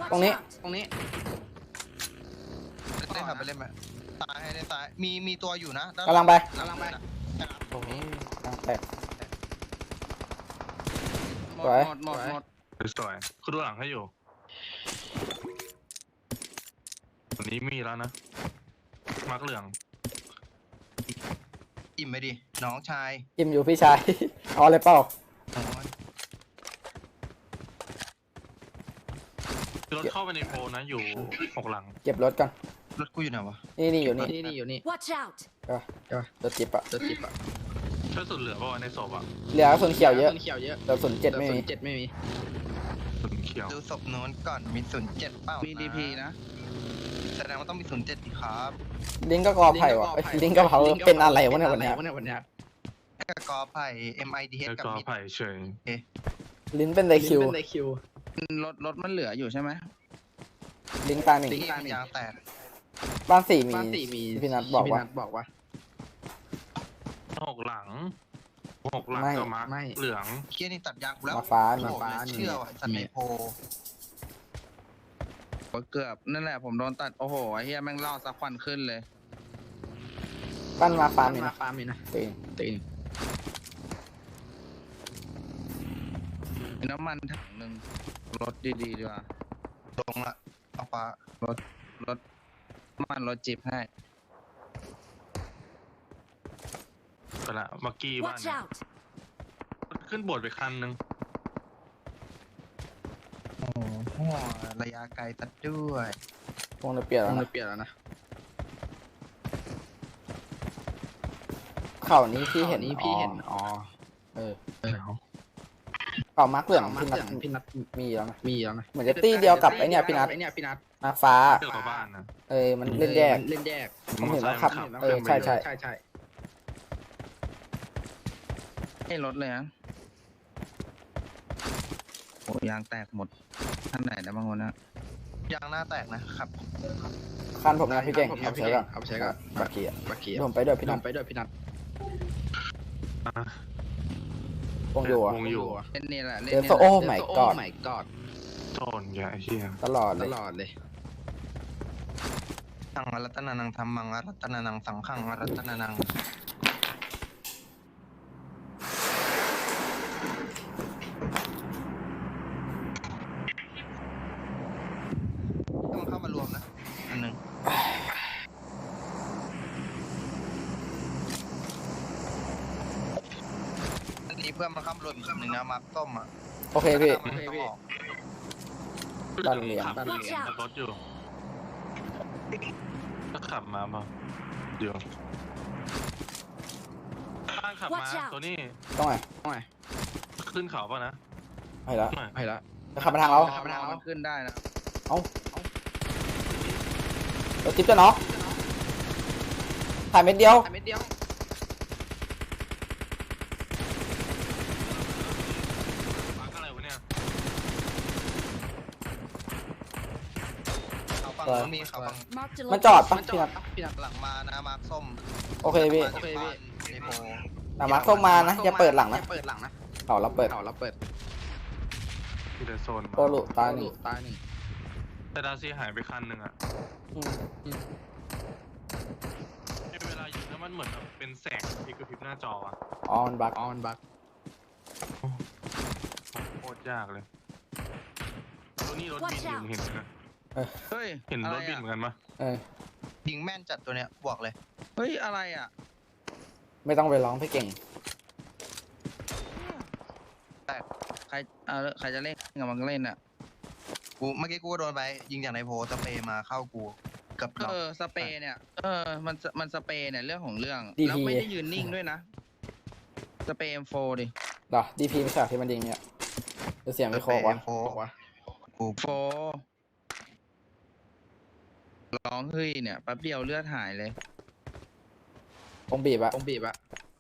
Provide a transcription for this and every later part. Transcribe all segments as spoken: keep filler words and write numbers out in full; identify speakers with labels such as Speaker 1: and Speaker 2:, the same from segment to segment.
Speaker 1: ตรงนี้
Speaker 2: ตรงนี้
Speaker 3: เล่นครับไปเล่นไหมตายให้ได้ตายมีมีตัวอยู่นะ
Speaker 1: กำลังไป
Speaker 3: กำลังไป
Speaker 1: โอ้ยกำลังแตก
Speaker 2: หม
Speaker 1: สวย
Speaker 2: ดหมดหมด
Speaker 4: สวยๆคือดูหลังให้อยู่วันนี้มีแล้วนะมาร์กเหลือง
Speaker 3: อิ่มไปดิน้องชาย
Speaker 1: อิ่มอยู่พี่ชาย เอาเลยเปล่า
Speaker 3: โอ้ย
Speaker 4: รถเข้าไปในโพลนะอยู่หกหลัง
Speaker 1: เก็บรถก่อน
Speaker 3: รถกูอยู่ไหนวะ
Speaker 1: นี่นี่อยู่นี่
Speaker 2: นี่นี่อยู่นี่
Speaker 5: Watch out!
Speaker 1: รถจิบอะ
Speaker 2: ตัวจิบอะ
Speaker 4: ช่วยสุดเหลือป่าวะในศพอ่ะ
Speaker 1: เหลือกระสุนเขียวเยอะ
Speaker 2: ต้นเขียวเยอะ
Speaker 1: กระสุนเจ็ดไม่มี
Speaker 2: เจ็ดไม่มี
Speaker 4: สุดเขียว
Speaker 3: ดูศพโน้นก่อนมีศูนย์เจ็ดเปล่า
Speaker 2: มี
Speaker 3: มี
Speaker 2: ดีพีนะ
Speaker 3: แสดงว่าต้องมีศูนย์เจ็ดดีครับ
Speaker 1: ลิงก์ก็กอไผ่วะเอ้ยลิงก์ก็เผาเป็นอะไรวะเนี่ยวันเนี้ย
Speaker 2: วันนี้วันนี้
Speaker 3: กกอไผ่ เอ็ม ไอ ดี เอช
Speaker 4: แล้ว
Speaker 3: กับ
Speaker 4: ก็
Speaker 3: มิด
Speaker 4: ไผ่เฉย
Speaker 1: ลิงก์เป็นไดคิว
Speaker 2: เป็นในคิวรถรถมันเหลืออยู่ใช่ไหม
Speaker 1: ลิงก์ตาหนึ่ง
Speaker 3: ที่มันยางแตก
Speaker 1: บ้านสี่มี
Speaker 2: บ้านสี่มี
Speaker 1: พี่นัทบอกว่า
Speaker 2: พี่นัทบอกว่า
Speaker 4: หกหลังหกหลัง
Speaker 1: ไม่
Speaker 4: กับมาร์ก
Speaker 2: ไม่
Speaker 4: เหลือง
Speaker 3: เคียนี่ตัดยางกูแล้ว
Speaker 1: มาฟ้า
Speaker 3: โอ้
Speaker 1: มี
Speaker 3: โหไม่เชื่อว่ะสัตว์ในโพ
Speaker 2: เกือบนั่นแหละผมโดนตัดโอ้โหไอ้เฮียแม่งล่อสักควันขึ้นเลย
Speaker 1: บ้านมาฟ้ามี
Speaker 2: มา
Speaker 1: นะ
Speaker 2: ฟาร์มนี่นะ
Speaker 1: ตีน
Speaker 2: ตีนมีน้ำมันถังหนึ่งรถดีๆดีกว่า
Speaker 3: ลงละเอาฟ้าร
Speaker 2: ถรถน้ำมันรถจิบให้
Speaker 4: ไปละเมื่อกี้บ้าน
Speaker 5: Watch
Speaker 4: เนี่ย
Speaker 5: out!
Speaker 4: ขึ้นโบสถ์ไปคันหนึ่ง
Speaker 3: โอ้โหระยะไกลตัดด้วย
Speaker 1: วงจะเปลี่ยน
Speaker 2: ต้
Speaker 1: แล้
Speaker 2: อ
Speaker 1: ว
Speaker 2: ง
Speaker 1: นะ
Speaker 2: เปลี่ยนแล้วนะ
Speaker 1: เข่านี้พี่เห็น
Speaker 2: นี้พี่เห็นอ๋อ
Speaker 1: เออ
Speaker 2: เออ
Speaker 1: เข่ามาร์กเหลือง
Speaker 2: มา
Speaker 1: พี่นัท
Speaker 2: พี่นัท
Speaker 1: มีแล้วนะ
Speaker 2: มีแล้วนะ
Speaker 1: เหมือนจะตี้เดียวกับไอเนี่ยพี่นัท
Speaker 2: ไอเนี่ยพี่นัท
Speaker 1: มาฟ้า
Speaker 4: เกี่ยวกับบ้านนะ
Speaker 1: เออมันเล่นแยก
Speaker 2: เล่นแยก
Speaker 1: ผมเห็นแล้วครับ
Speaker 4: มอตอร์ไซค์มัน
Speaker 1: เออใช่ใช่
Speaker 2: ใช่ใช่ให้รถเลยนะโอ้ยางแตกหมดท่านไหนนะบางคนนะ
Speaker 3: ยางหน้าแตกนะครับ
Speaker 1: คันผมนะพี่เก่ง
Speaker 2: ผม
Speaker 1: เอา
Speaker 2: พี่
Speaker 1: ใช้
Speaker 2: เก่
Speaker 1: ก่อง น
Speaker 2: เอาไปใช้ก่อน
Speaker 1: บักกี้อะ
Speaker 2: บักกี้
Speaker 1: ผมไปด้วยพี่
Speaker 2: น
Speaker 1: นัท
Speaker 2: ำไปด้วยพี่นัท
Speaker 4: อ่ะ
Speaker 1: วงอยู่อะ
Speaker 4: วงอยู่
Speaker 2: เล่นนี่แหละเล่น
Speaker 1: เดี๋ยว
Speaker 2: นี่
Speaker 1: โซ่
Speaker 2: แหละ
Speaker 1: โอ้ my
Speaker 2: เดี๋ยว
Speaker 1: god
Speaker 2: โอ้ my god
Speaker 4: โจนใหญ่เฮีย
Speaker 1: ตลอดเล
Speaker 2: ต
Speaker 1: ย
Speaker 2: ลอดเลย
Speaker 3: สังอรัตนานังธรรมังอรัตนานังสังฆังอรัตนานังต้องเข้ามารวมนะ อันหนึ่งอันนี้เพื่อนมันเข้ามารวมอีกคนหนึ่งนะมาร์คส้มอ่ะ
Speaker 1: โอเคพี่
Speaker 3: มันไม่ต้องออก
Speaker 1: บ้านเหลือง
Speaker 4: ขับ
Speaker 5: บ้านเหลือง
Speaker 4: ขับรถอยู่ก็ขับมาเปล่าเดี๋ยวบ้านขับมา
Speaker 5: Watch out
Speaker 4: ตัวนี้
Speaker 1: ต้องไง
Speaker 2: โอ้ย
Speaker 4: ขึ้นเขาป่ะนะ
Speaker 1: ไปแล้ว
Speaker 4: หน่อย
Speaker 2: ไปละ
Speaker 1: จะขับมาทางเรา
Speaker 2: ขับไปทางเรามันขึ้นได้นะ
Speaker 1: เอ้า รถจิ๊บจะน็อกถ่ายเม็ดเดียว
Speaker 2: ถ่ายเม็ดเดียว
Speaker 4: มาร์กอะไรวะเนี่ย
Speaker 3: เขาฝั่งนู้นมีเขาฝั่ง
Speaker 5: Marked a
Speaker 1: มันจอดปะ
Speaker 2: มันจ
Speaker 1: พี่
Speaker 2: อ
Speaker 1: นั
Speaker 2: ด
Speaker 1: ท
Speaker 2: พี่นัท
Speaker 3: หลังมานะมาร์คส้ม
Speaker 1: โอเคพี่
Speaker 3: มาจากบ้านในโพ
Speaker 1: แต่มาร์คเข้ามานะอย่าเปิดหลังนะ
Speaker 2: อย่าเปิดหลังนะ
Speaker 1: เอาเราเปิด
Speaker 2: เอาเราเปิด
Speaker 4: ที่เดโซนมา
Speaker 1: โปรลุตายหนึ่ง
Speaker 2: ตายหนึ่ง
Speaker 4: แต่ดาซีหายไปคันหนึ่งอะ
Speaker 1: อืม
Speaker 4: ในเวลายิงแล้วมันเหมือนแบบเป็นแสงที่กระพริบหน้าจออะ
Speaker 1: อ๋อมันบัก
Speaker 2: ออนบัก
Speaker 4: โคตรยากเลยตัวนี้รถบินอยู่เห็นไหม
Speaker 2: เฮ้ย
Speaker 4: เห็นรถบิน
Speaker 2: อะ
Speaker 4: เห
Speaker 2: ไอะ
Speaker 4: มือนกันปะ
Speaker 1: เออ
Speaker 3: ยิงแม่นจัดตัวเนี้ยบวกเลย
Speaker 2: เฮ้ยอะไรอ่ะ
Speaker 1: ไม่ต้องไปร้องพี่เก่ง
Speaker 2: ใครเออใครจะเล่นกับมันก็เล่นอ่ะ
Speaker 3: กูเมื่อกี้กูก็โดนไปยิงจากในโพสเปรย์มาเข้ากูเกับน็อก
Speaker 2: เออสเปรย์เนี่ยเออมันมันสเปรย์เนี่ยเรื่องของเรื่อง
Speaker 1: ดีพี
Speaker 2: แล้วไม่ได้ยืนนิ่งด้วยนะสเปรย์ เอ็ม โฟร์ ดิ
Speaker 1: เหรอดีพีไม่ใช่เหรอที่มันยิงเนี่ยเดี๋ยวเสียงไม่โคกวะ
Speaker 3: โฟกู
Speaker 2: โฟร์ร้องเฮ้ยเนี่ยแป๊บเดียวเลือดหายเลย
Speaker 1: คงบีบอะ
Speaker 2: ต้องบีบอะ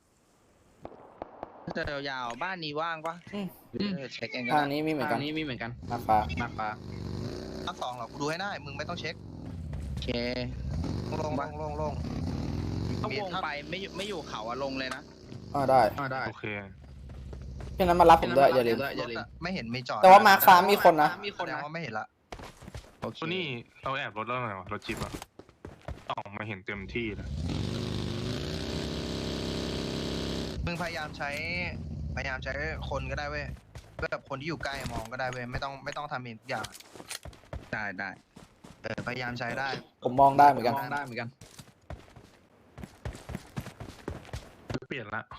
Speaker 2: จะยาวๆบ้านนี้ว่างปะ
Speaker 1: อืม
Speaker 2: เออเช็คเองก็
Speaker 1: ทาง
Speaker 2: ได้
Speaker 1: นี้มีเหมือนกัน
Speaker 2: ทางนี้มีเหมือนกัน
Speaker 1: มาฟ้า
Speaker 2: มาปลา
Speaker 3: ทั้งสองเหรอกูดูให้ได้มึงไม่ต้องเช็ค
Speaker 2: โอเค
Speaker 3: ลงลงลงลง
Speaker 2: ถ้าวงไปไม่อยู่ไม่อยู่เขาอะลงเลยนะ
Speaker 1: อ๋อได้
Speaker 2: อ่าได้
Speaker 4: โอเค
Speaker 1: พี่นั้นมารับผมด้วยอย่าลืม
Speaker 2: อย่าลืม
Speaker 3: รถอะไม่เห็นมีจอด
Speaker 1: แต่ว่ามาร์คฟ้ามีคนนะ
Speaker 2: มีคน
Speaker 3: แสด
Speaker 2: นะ
Speaker 3: งว่าไม่เห็นละ
Speaker 2: โอเค
Speaker 4: ตัวนี้เราแอบรถแล้วไงวะรถจิ๊บอะออกมาเห็นเต็มที่เลย
Speaker 3: มึงพยายามใช้พยายามใช้คนก็ได้เว้ยแบบคนที่อยู่ใกล้มองก็ได้เว้ยไม่ต้องไม่ต้องทำเองทุกอย่าง
Speaker 2: ได้ได้
Speaker 3: เออพยายามใช้ได้
Speaker 1: ผมมองได้เหมือนกัน
Speaker 2: มองได้เหมือนกัน
Speaker 4: เปลี่ยนละ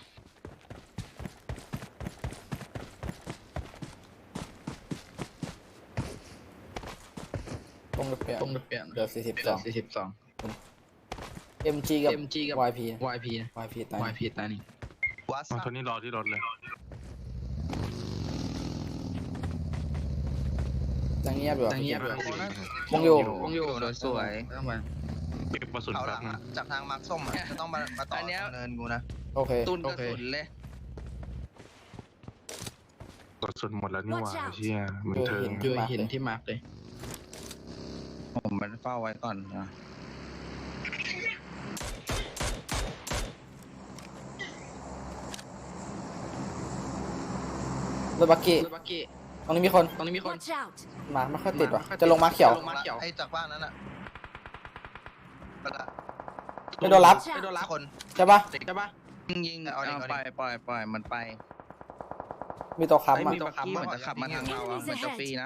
Speaker 1: ตรงเปลี่ยน
Speaker 2: ต้องเปลี่ยน
Speaker 1: เดี๋ยวสี่สิบสอง
Speaker 2: สี่สิบสอง
Speaker 1: เอ็มจีกับ
Speaker 2: เอ็มจีกับ
Speaker 1: วายพี
Speaker 2: วายพีนะ
Speaker 1: วายพีตาย
Speaker 2: วายพีตายนี่
Speaker 3: วัด
Speaker 4: มาตัวนี้รอที่รถเลย
Speaker 1: ยังเงียบอยู่อะ
Speaker 2: แต่เงียบ
Speaker 4: ไม่
Speaker 2: อยู่
Speaker 4: ต้อง
Speaker 1: วงอยู่
Speaker 2: วงอยู่โดยสวยต้องมา
Speaker 4: เก็บกระสุน
Speaker 3: เขาห
Speaker 4: แป๊
Speaker 3: ลั
Speaker 4: บ
Speaker 3: ง
Speaker 4: นึง
Speaker 3: อะจากทางมาร์คส้มอะจะต้องมามาต่อ
Speaker 2: อันเนี้ย
Speaker 3: ทางเนินกูนะ
Speaker 1: โอเค
Speaker 2: ตุนกระสุนเลย
Speaker 4: กระสุนหมดแล้วนี่หว่า
Speaker 5: Watch out
Speaker 4: เชี่ยมึงเทิง
Speaker 2: อยู่หินที่มาร์กเลยผมมันเฝ้าไว้ก่อนนะ
Speaker 1: รถบักกี้
Speaker 2: รถบักกี้
Speaker 1: ตรงนี้มีคน
Speaker 2: ตรงนี้มีคน
Speaker 5: Watch out!
Speaker 1: มาไม่ค่อยติดว่ะจะลงมาเขียว
Speaker 2: ลงมาเขียว
Speaker 3: ไอ้จากบ้านนั้นอะไปละ
Speaker 1: ไม่โดนรับ
Speaker 5: Watch
Speaker 2: ไม่โดน
Speaker 5: out!
Speaker 2: รับ
Speaker 3: คน
Speaker 1: ใช่ปะ
Speaker 2: ใช่ปะยิงยิง
Speaker 3: เอาดิ
Speaker 2: เอา
Speaker 3: เอาดิ
Speaker 2: ปล่อยปล่อยปล่อยมันไป
Speaker 1: มีตัว
Speaker 2: ไอ้
Speaker 1: ค้ำ
Speaker 2: มี
Speaker 1: อ่ะ
Speaker 2: บักกี้มันจะขับมาทางเราอะมันจะฟรีนะ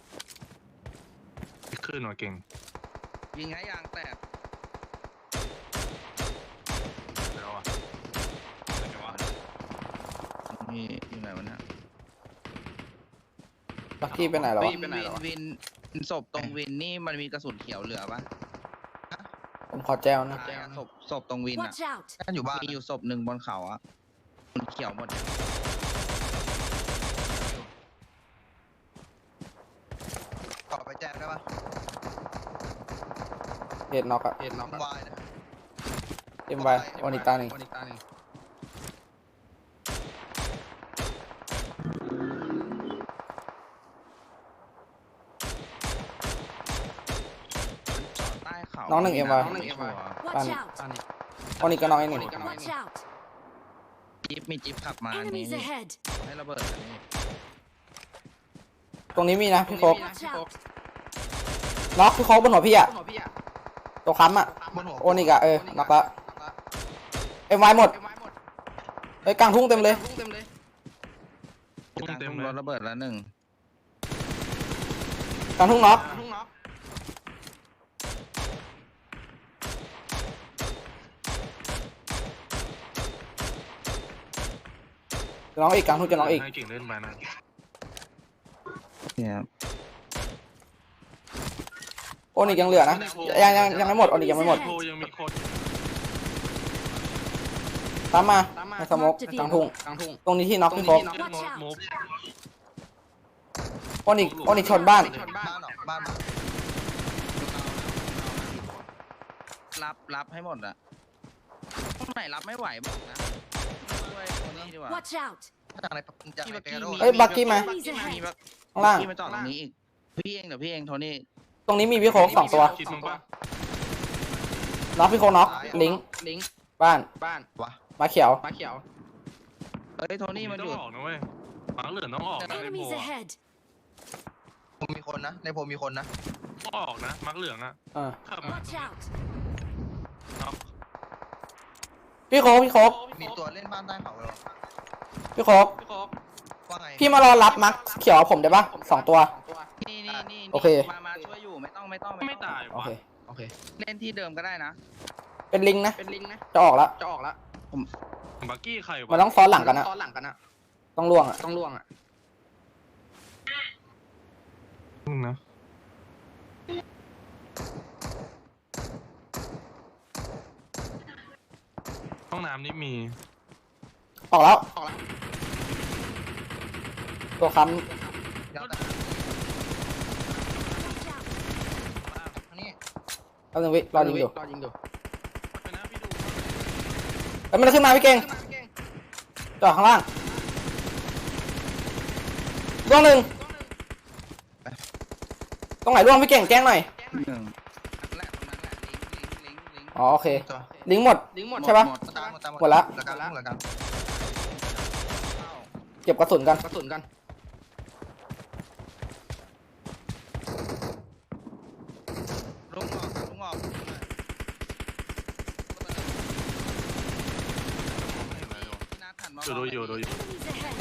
Speaker 4: ขึ้นมาเก่ง
Speaker 2: ยิงให้ยางแตก
Speaker 4: แล้วอ่ะ
Speaker 2: นี่อยู่ไหนวะเนี่ย
Speaker 1: บักกี้ไปไหนแล้ว
Speaker 2: วิ
Speaker 1: วะ
Speaker 2: นวินวินวินศพตรงวินนี่มันมีกระสุนเขียวเหลือปะ
Speaker 1: ผมขอแจ้วนะ
Speaker 2: ตายอะศพศพตรงวินอะ
Speaker 5: Watch out!
Speaker 3: กันอยู่บ้าน
Speaker 2: มีอยู่ศพหนึ่งบนเขาอะมันเขียวหมด
Speaker 3: ขอไปแจ้งได้ปะ
Speaker 1: เหตุน็อกอะ
Speaker 2: เห็นน็อก
Speaker 3: วายนะ
Speaker 1: เอ็มไวออนิตาหนึ่ง
Speaker 2: วันอีกตาหนึ่งจอดใต้เขา
Speaker 1: น้องหนึ่งเอ็มไว
Speaker 2: น้องหนึ่งเอ็มไว
Speaker 5: Watch
Speaker 1: Bang.
Speaker 5: out!
Speaker 2: ตาหนึ่ง
Speaker 1: ออนิกก็น้องไอ้หนึ่ง
Speaker 5: Watch out!
Speaker 2: จิ๊บมีจิ๊บขับมาอันนี้
Speaker 5: Enemies ahead!
Speaker 2: ให้ระเบิดอันนี้
Speaker 1: ตรงนี้มีนะพี่โคก
Speaker 5: Watch out!
Speaker 1: น็อกพี่โคกบนหัวพี่อะ
Speaker 2: หัวพี่อะ
Speaker 1: ตัวค้ำอะ
Speaker 3: บนหัว
Speaker 1: โอนิกอะเออน็อกละเอ็มไวหมด
Speaker 2: เอ็มไวหมด
Speaker 1: เฮ้ยกลางทุ่งเต็มเลย
Speaker 2: เต็มเลย
Speaker 4: พุ่งเต็ม
Speaker 2: ก
Speaker 4: เล
Speaker 2: ลางทุ่งร
Speaker 4: ย
Speaker 2: ถระเบิดแล้วหนึ่ง
Speaker 1: กลางทุ่งน็อก
Speaker 2: ทุ่งน็อก
Speaker 1: จะน้องอีกกลางทุ่งจะน้องอีก
Speaker 4: ให้เก่งเล่นไปนะ
Speaker 2: เนี่ย
Speaker 1: โอนิกยังเหลือนะยังยังยังไม่หมดโอนิกยังไม่หมด
Speaker 4: โพยังมีคน
Speaker 1: ตามมาในสโมกกลางทุ่ง
Speaker 2: กลางทุ่ง
Speaker 1: ตรงนี้ที่น็อกพี่โคก
Speaker 4: เล่นโมบ
Speaker 1: โอนิกโอนิกชนบ้าน
Speaker 2: ชนบ้า
Speaker 3: บ้าน
Speaker 2: น
Speaker 3: เหรอบ้านมา
Speaker 2: รับรับให้หมดอะตรงไหนรับไม่ไหวบอกนะช่วยตรงนี้ดีกว่า
Speaker 5: Watch out!
Speaker 3: จากไหนจากไหนไปกระโดด
Speaker 1: เฮ้ยบักกี้มา
Speaker 2: บักกี้มามีบัก
Speaker 1: ข้างล่าง
Speaker 2: กี้มาจอดตรงนี้อีกพี่เองเดี๋ยวพี่เองโทนี่
Speaker 1: ตรงนี้มีพี่โคกสองตัว
Speaker 4: คิดมึงปะ
Speaker 1: น็อกพี่โคกน็อกลิงก์
Speaker 2: ลิงก์
Speaker 1: บ้าน
Speaker 2: บ้าน
Speaker 3: วะ
Speaker 1: มาเขียว
Speaker 2: มาเขียวเอ้ยโทนี่มันอยู่
Speaker 4: ต้องออกนะเว้ยหมาเหลือต้องออกนะในโพ
Speaker 5: Enemies ahead!
Speaker 3: ผมมีคนนะในโพลมีคนนะ
Speaker 4: ต้องออกนะมักเหลืองอ่ะ
Speaker 1: เออ
Speaker 4: ขับมา
Speaker 5: Watch out!
Speaker 4: น็อก
Speaker 1: พี่โคกพี่โคก
Speaker 3: มีตัวเล่นบ้านใต้เขาเหรอ
Speaker 1: พี่โคก
Speaker 2: พี่โคก
Speaker 3: ว่าไง
Speaker 1: พี่มารอรับมักเขียวผมได้ปะสองตัว
Speaker 2: นี่นี่นี่
Speaker 1: โอเค
Speaker 2: มามาช่วยอยู่ไม่ต้องไม่ต้อง
Speaker 4: ไม่ตาย
Speaker 1: โอ
Speaker 4: วะ
Speaker 1: เค
Speaker 2: โอเคเล่นที่เดิมก็ได้นะ
Speaker 1: เป็นลิงก์นะ
Speaker 2: เป็นลิงก์นะ
Speaker 1: จะออกแล้ว
Speaker 2: จะออกแล้ว
Speaker 4: บักกี้ใครวะ
Speaker 1: มันต้องซ้อนหลังกันนะ
Speaker 2: ตอนหลังกันอะ
Speaker 1: ต้องล่วงอ่ะ
Speaker 2: ต้องล่วงอะ
Speaker 4: มึงนะห้องน้ำนี่มี
Speaker 1: ออกแล้ว
Speaker 2: ออกแล้ว
Speaker 1: ตัวค้
Speaker 3: ยาวแต่
Speaker 5: Watch out!
Speaker 3: อันนี้
Speaker 1: ำแป๊บนึงวิรอยิงอยู่
Speaker 2: รอยิงอยู่
Speaker 4: ไปนะพี่ดู
Speaker 1: แล้วมันจะขึ้นมาพี่เก่ง
Speaker 2: ขึ้นมาพี่เก่ง
Speaker 1: จอดข้างล่างล่วงหนึ่งตรงไหนล่วงพี่เก่งแจ้งหน่อย
Speaker 2: หนึ่งนั่นแหละตรงนั้นแหละลิงก์ลิงก์ลิงก์ลิงก์
Speaker 1: อ๋อโอเค
Speaker 3: ตัว
Speaker 1: ลิงก์หมด
Speaker 2: ลิงก์หมด
Speaker 1: ใช่ปะ
Speaker 2: หมด
Speaker 3: ตามหมดตาม
Speaker 1: หมดละ
Speaker 3: เหลือกันเหลือกัน
Speaker 1: เก็บกระสุนกัน
Speaker 2: กระสุนกัน
Speaker 4: อยู่ดูอยู่ดูอยู่
Speaker 5: Enemies ahead.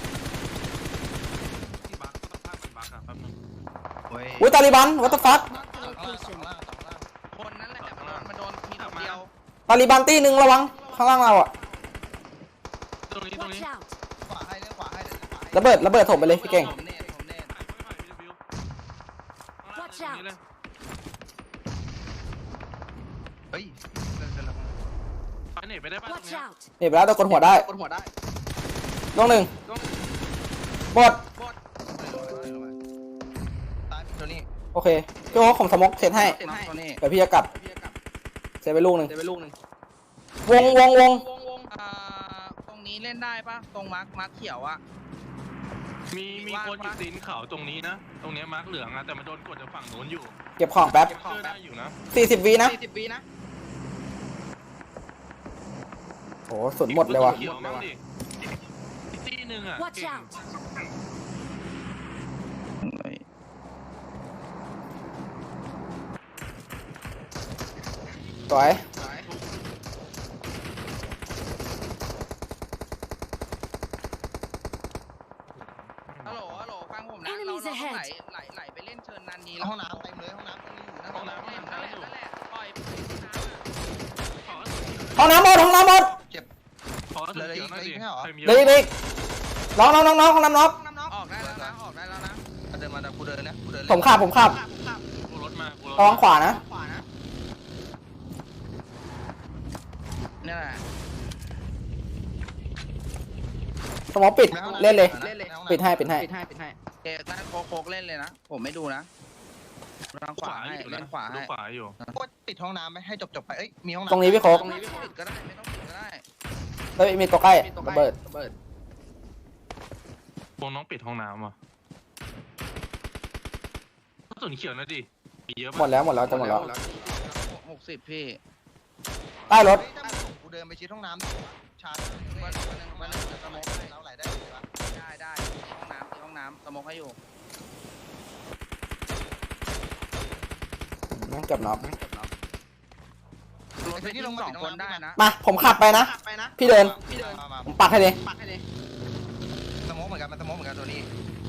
Speaker 4: ที่บักก็ต้องพากมันบักอะแป๊บนึง
Speaker 3: โอ้ย
Speaker 1: อุ้ยตาลิบันวัตถุฟัก
Speaker 5: Mark the
Speaker 3: สองล่างสอง
Speaker 5: location.
Speaker 3: ล่างสองล่าง
Speaker 2: คนนั้นแหละมันโดนมันโดนมีคนเดียว
Speaker 1: ตาลิบันตีหนึ่งระวังข้างล่างเราอ่ะ
Speaker 4: ตรงนี้ตรง
Speaker 5: Watch
Speaker 4: นี้
Speaker 5: out.
Speaker 3: ขวาให้เล่นขวาให้เล่นขวาให้
Speaker 1: ระเบิดระเบิดถมไปเลยพี่เก่ง
Speaker 2: ผมเนตผมเนต
Speaker 5: Watch
Speaker 4: ตรง
Speaker 5: out
Speaker 4: นี้เลย
Speaker 3: เฮ้ยเล่นเล่นแล้ว
Speaker 4: ไปไหนไปได้ป่ะตรง
Speaker 5: Watch
Speaker 4: เนี้ย
Speaker 5: out.
Speaker 1: เห็นไปแล้วแต่กดหัวได้
Speaker 2: กดหัวได้
Speaker 1: ลงหนึ่งบด
Speaker 3: ตายตัวนี้
Speaker 1: โอเคพี่โอ๊คผมสมกเซตให้
Speaker 2: เซ็นให้ตัวนี้
Speaker 1: เดี๋ยวพี่จะกลับ
Speaker 2: พี่จะกลับ
Speaker 1: เซตไปลูกหนึ่ง
Speaker 2: เดี๋ยวไปลูกหนึ่ง
Speaker 1: วงวงวง
Speaker 2: วงวงอ่าตรงนี้เล่นได้ปะตรงมาร์คมาร์คเขียวอะ
Speaker 4: มีมีคนอยู่ตีนเขาตรงนี้นะ ตรงเนี้ยมาร์กเหลืองอะแต่มันโดนกดจากฝั่งโน้นอยู่
Speaker 1: เก็บของแป๊บ
Speaker 2: เก็บของ
Speaker 4: เชื่อ
Speaker 2: แป๊
Speaker 4: ได้
Speaker 2: บ
Speaker 4: อยู่นะ
Speaker 1: สี่สิบวินะ
Speaker 2: สี่สิบวินะ
Speaker 1: โหสุดหมดเลยว่ะ
Speaker 4: เขียวมั้งดิอีกตีหนึ่งอะ
Speaker 5: Watch
Speaker 4: เก่ง
Speaker 5: out.
Speaker 1: สวย
Speaker 2: ฮัลโหลฮัลโหลฟังผมนะ เรา
Speaker 5: Enemies
Speaker 2: เราต้องไหล
Speaker 5: ahead
Speaker 2: ไหลไหลไปเล่นเชิญนันนี
Speaker 3: ห้องน้ำเต็มเลยห้องน้ำตรงนี้อยู่นะ
Speaker 4: ห้องน้ำ
Speaker 2: เล่นนั่นแหละนั่นแหละปล่อยน้ำอะ
Speaker 4: ขอ
Speaker 1: ห้องน้ำหมดห้องน้ำหมด
Speaker 3: เจ็บ
Speaker 4: ขอสุดเขียวหน่อยดิ
Speaker 3: เหลืออีกเหรอ
Speaker 4: ใครมี
Speaker 1: เด็กเด็กน้องน้องน้องน้องห้องน้ำน้อง
Speaker 2: ออกได้แล้วนะออกได้แล้วนะ
Speaker 3: เดินมาแต่กูเดินนะกูเดิน
Speaker 1: ผมขับผมขับ
Speaker 4: กูรถมากูรถ
Speaker 1: ระวังขวานะ
Speaker 2: ขวานะนี่แหละ
Speaker 1: สมองปิดเล่นเลย
Speaker 3: เล่นเลย
Speaker 1: ปิดให้ปิดให้
Speaker 2: ปิดให้ปิดให้เอกนั่นโคกโคกเล่นเลยนะ ผมไม่ดูนะทางขวาให้
Speaker 4: อยู่
Speaker 2: เล่
Speaker 4: นะ
Speaker 2: นขวา
Speaker 4: ดู
Speaker 2: ให้
Speaker 4: ขวาอยู่
Speaker 3: ก็ปิดห้องน้ำไหมให้จบจบๆไปเอ้ยมีห้องน้ำ
Speaker 1: ตรงนี้พี่โค้ก
Speaker 2: ตรงนี้ไม่ต้องปิดก็ได้ไม่ต้องปิดก็ได้
Speaker 1: แล้วมีตัวใกล้
Speaker 2: มีตัว
Speaker 1: ระเบิด
Speaker 2: ระเบิด
Speaker 4: วงน้องปิดห้องน้ำอ่ะส่วนเขียวนะดิมีเยอะ
Speaker 1: หมดแล้วหมดแล้วจะหมดแล้ว
Speaker 2: หกสิบพี่
Speaker 1: ใต้รถ
Speaker 3: เฮ้ยถ้าผมกูเดินไปชิดห้องน้ำชาร์จ
Speaker 2: วันวันหนึ่งวันหนึ่งจะสโมกให้
Speaker 3: เราไหลได้เลยปะ
Speaker 2: ได้ได้ที่ห้องน้ำที่ห้องน้ำสโมกให้อยู่
Speaker 1: นั่งเกือบน็อก
Speaker 2: รถไปที่ลงสองคนได้นะ
Speaker 1: มาผมขับไปนะ
Speaker 2: ไปนะ
Speaker 1: พี่เดิน
Speaker 2: พี่เดิน
Speaker 3: มามา
Speaker 1: ผมปักให้เลย
Speaker 2: ปักให้เลย
Speaker 3: สโมองเหมือนกันมันสโมองเหมือนกันตัวนี้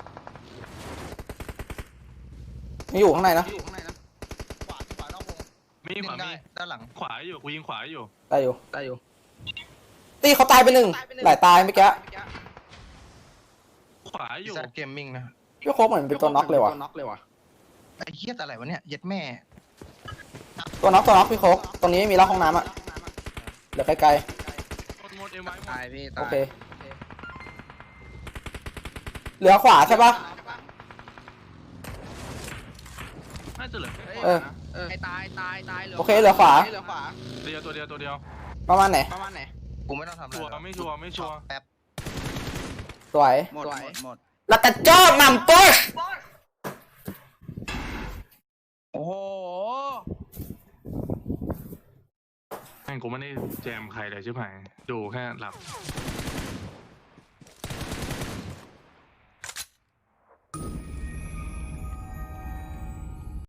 Speaker 1: ไม่อยู่ข้างในนะ
Speaker 2: อยู่ข้างในนะ
Speaker 3: ขวาขวานอกวง
Speaker 4: มีขวา
Speaker 3: ได้
Speaker 4: มี
Speaker 3: ด้านหลัง
Speaker 4: ขวาอยู่กูยิงขวาอยู่
Speaker 1: ได้อยู่
Speaker 2: ได้อยู่
Speaker 1: ตีเขาตายไปหนึ่งหลายตายเมื่อกี้
Speaker 4: ขวาอยู่
Speaker 3: แซดเกมมิ่งนะ
Speaker 1: พี่โค้กเหมือนเป็นตัวน็อกเลยว่ะ
Speaker 2: น็อกเลยว่ะ
Speaker 3: ไอ้เหี้ยอะไรวะเนี่ยเย็ดแม่
Speaker 1: ตัวน็อกตัวน็อกพี่โค้กตรงนี้ไม่มีล็อกห้องน้ำอ่ะเหลือไกล
Speaker 4: หมดหมดเอ็มไว้หมด
Speaker 2: ตายพี่
Speaker 1: ๆ
Speaker 2: ตาย
Speaker 1: โอเค เหลือขวาใช่ปะ
Speaker 4: น่าจะเหลือแค่
Speaker 1: เออ
Speaker 2: เออไอ้ตายตายตายเหลือ
Speaker 1: โอเคเหลือขวา
Speaker 2: เหลือขวา
Speaker 4: ตัวเดียวตัวเดียวตัวเดียว
Speaker 1: ประมาณไหน
Speaker 2: ประมาณไหน
Speaker 3: กูไม่ต้องทำอะไร
Speaker 4: ชัวร์ไม่ชัวร์ไม่ชัวร์
Speaker 3: แป๊บ
Speaker 1: สวย
Speaker 2: หมดหมดหมด
Speaker 1: แล้วกระจอกนำปุ๊ช
Speaker 2: โอ้โห
Speaker 4: แม่งกูไม่ได้แจมใครเลยใช่ไหมดูแค่หลับ